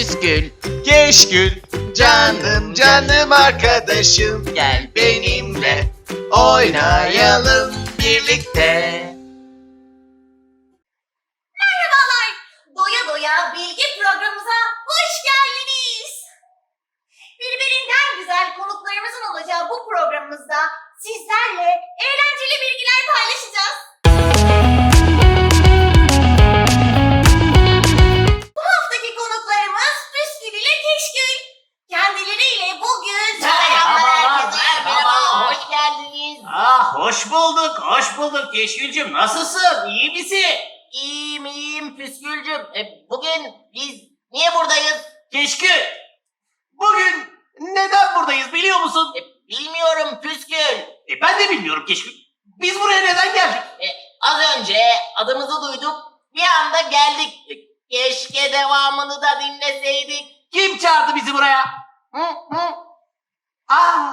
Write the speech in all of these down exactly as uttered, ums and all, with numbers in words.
püskül, keşkül, canım canım arkadaşım, gel benimle oynayalım birlikte. Merhabalar, Doya Doya Bilgi programımıza hoş geldiniz. Birbirinden güzel konuklarımızın olacağı bu programımızda sizlerle eğlenceli bilgiler paylaşacağız. Bu haftaki konuklarımız Püskül ile Keşkül. Kendileriyle bugün... Merhabalar, merhaba, hoş geldiniz. Ah, hoş bulduk, hoş bulduk Keşkülcüm. Nasılsın, iyi misin? İyiyim iyiyim Püskülcüm. E, bugün biz niye buradayız? Keşkül, bugün neden buradayız biliyor musun? E, bilmiyorum Püskül. E, ben de bilmiyorum Keşkül. Biz buraya neden geldik? E, az önce adımızı duyduk. Bir anda geldik. E, keşke devamını da dinleseydik. Kim çağırdı bizi buraya? Hı hı. Aa,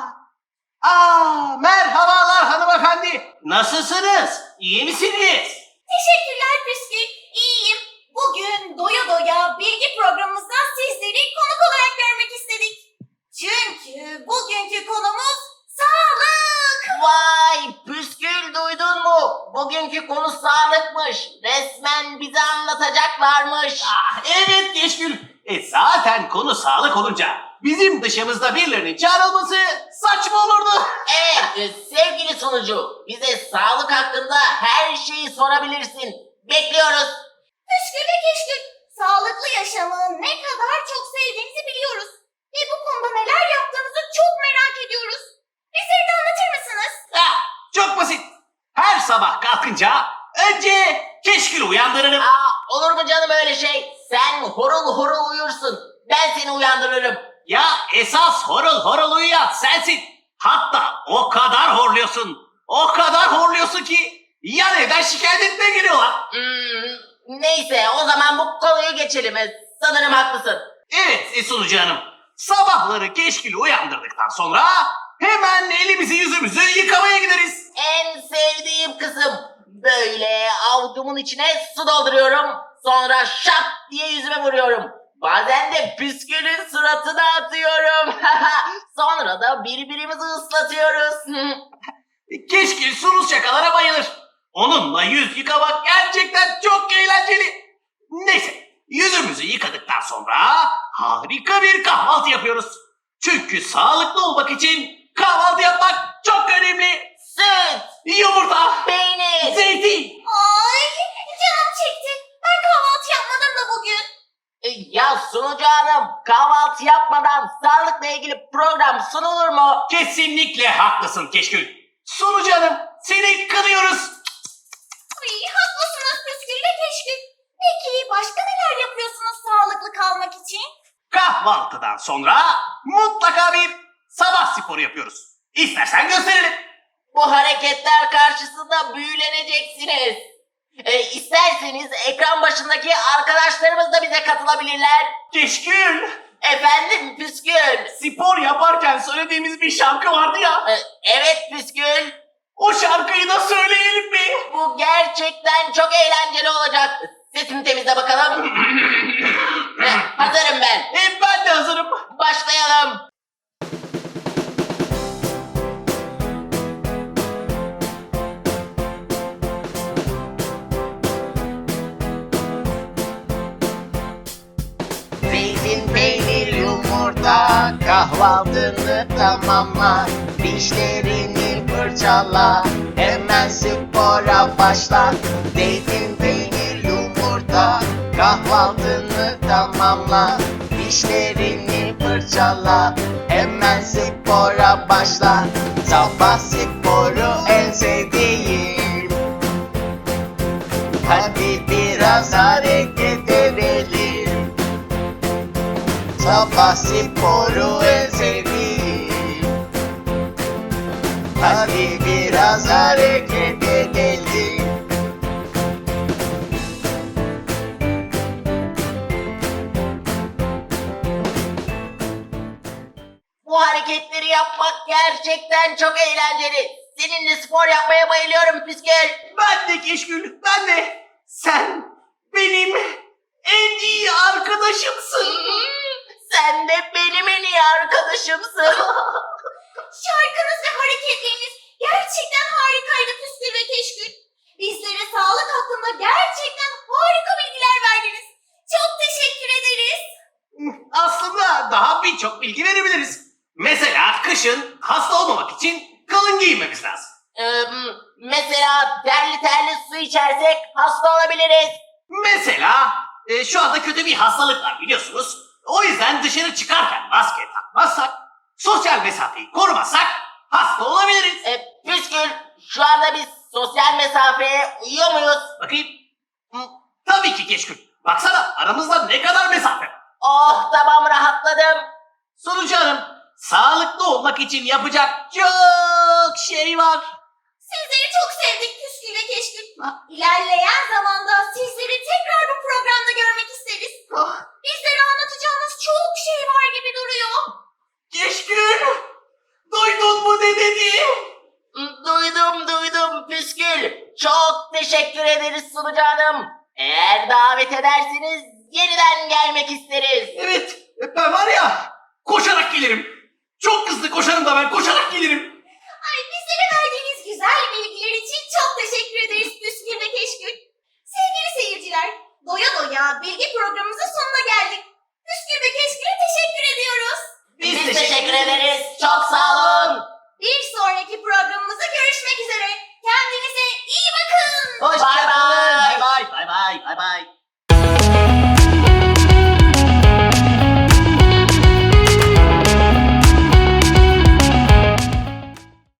aa, merhabalar hanımefendi. Nasılsınız, iyi misiniz? Teşekkürler Püskül, iyiyim. Bugün Doya Doya Bilgi programımızda sizleri konuk olarak görmek istedik. Çünkü bugünkü konumuz sağlık. Vay Püskül duydun mu? Bugünkü konu sağlıkmış. Resmen bize anlatacaklarmış. Ah, evet Keşkül. E zaten konu sağlık olunca bizim dışımızda birilerinin çağrılması saçma olurdu. Evet e, sevgili sunucu, bize sağlık hakkında her şeyi sorabilirsin. Bekliyoruz. Püskül ve Keşkül, sağlıklı yaşamı ne kadar çok sevdiğinizi biliyoruz. Ve bu konuda neler yaptığınızı çok merak ediyoruz. Bizleri de anlatır mısınız? Ah, çok basit. Her sabah kalkınca önce Keşkül'ü uyandırırım. Aa, olur mu canım öyle şey? Sen horul horul uyursun. Ben seni uyandırırım. Ya esas horul horul uyuyan sensin. Hatta o kadar horluyorsun. O kadar horluyorsun ki yan evden şikayet etmeye geliyorlar. Hmm, neyse o zaman bu konuyu geçelim. E, Sanırım haklısın. Evet e, sunucu hanım. Sabahları Keşkül'ü uyandırdıktan sonra hemen elimizi yüzümüzü yıkamaya gideriz. En sevdiğim kısım. Böyle avucumun içine su dolduruyorum. Sonra şap diye yüzüme vuruyorum. Bazen de püskülün suratına atıyorum. Sonra da birbirimizi ıslatıyoruz. Keşkül sulu şakalara bayılır. Onunla yüz yıkamak gerçekten çok eğlenceli. Neyse, yüzümüzü yıkadıktan sonra harika bir kahvaltı yapıyoruz. Çünkü sağlıklı olmak için kahvaltı yapmak çok önemli. Süt, Yumurta, peynir. zeytin. Ay, canım çekti. Ben kahvaltı yapmadım da bugün. E, Ya sunucu hanım, kahvaltı yapmadan sağlıkla ilgili program sunulur mu? Kesinlikle haklısın Keşkül. Sunucu hanım, seni kınıyoruz. Ay, haklısınız Püskül ve Keşkül. Peki başka neler yapıyorsunuz sağlıklı kalmak için? Kahvaltıdan sonra mutlaka bir sabah sporu yapıyoruz. İstersen gösterelim. Bu hareketler karşısında büyüleneceksiniz. E, isterseniz ekran başındaki arkadaşlarımız da bize katılabilirler. Keşkül, Efendim Püskül. spor yaparken söylediğimiz bir şarkı vardı ya. E, evet Püskül. O şarkıyı da söyleyelim mi? Bu gerçekten çok eğlenceli olacak. Sesini temizle bakalım. E, hazırım ben. E, ben de hazırım. Başlayalım. Zeytin, peynir, yumurta, kahvaltını tamamla. Dişlerini fırçala, hemen spora başla. Zeytin, peynir, yumurta, kahvaltını tamamla. Dişlerini fırçala, hemen spora başla. Sabah sporu en sevdiğim. Hadi biraz hareket edelim. Sabah sporu en sevdiğim. Hadi biraz hareket edelim. Bu hareketleri yapmak gerçekten çok eğlenceli. Seninle spor yapmaya bayılıyorum Püskül. Ben de Keşkül, ben de. Sen benim en iyi arkadaşımsın. Sen de benim en iyi arkadaşımsın. Şarkınız ve hareketleriniz gerçekten harikaydı Püskül ve Keşkül. Bizlere sağlık hakkında gerçekten harika bilgiler verdiniz. Çok teşekkür ederiz. Aslında daha birçok bilgi verebiliriz. Mesela kışın hasta olmamak için kalın giyinmemiz lazım. Ee, mesela terli terli su içersek hasta olabiliriz. Mesela e, şu anda kötü bir hastalık var biliyorsunuz. O yüzden dışarı çıkarken maske takmazsak, sosyal mesafeyi korumazsak hasta olabiliriz. Ee, Püskül, şu anda biz sosyal mesafeye uyuyor muyuz? Bakayım. Hı, tabii ki Keşkül. Baksana aramızda ne kadar mesafe var. Oh, tamam, rahatladım. Sonucu hanım, sağlıklı olmak için yapacak çok şey var. Sizleri çok sevdik Püskül ve Keşkül. İlerleyen zamanda sizleri tekrar bu programda görmek isteriz. Bizlere anlatacağınız çok şey var gibi duruyor. Keşkül, duydun mu ne dediğim? Duydum duydum Püskül. Çok teşekkür ederiz sunucu hanım. Eğer davet ederseniz yeniden gelmek isteriz. Evet, ben var ya koşarak gelirim. Çok hızlı koşarım da ben koşarak gelirim. Ay bizlere verdiğiniz güzel bilgiler için çok teşekkür ederiz Püskül ve Keşkül.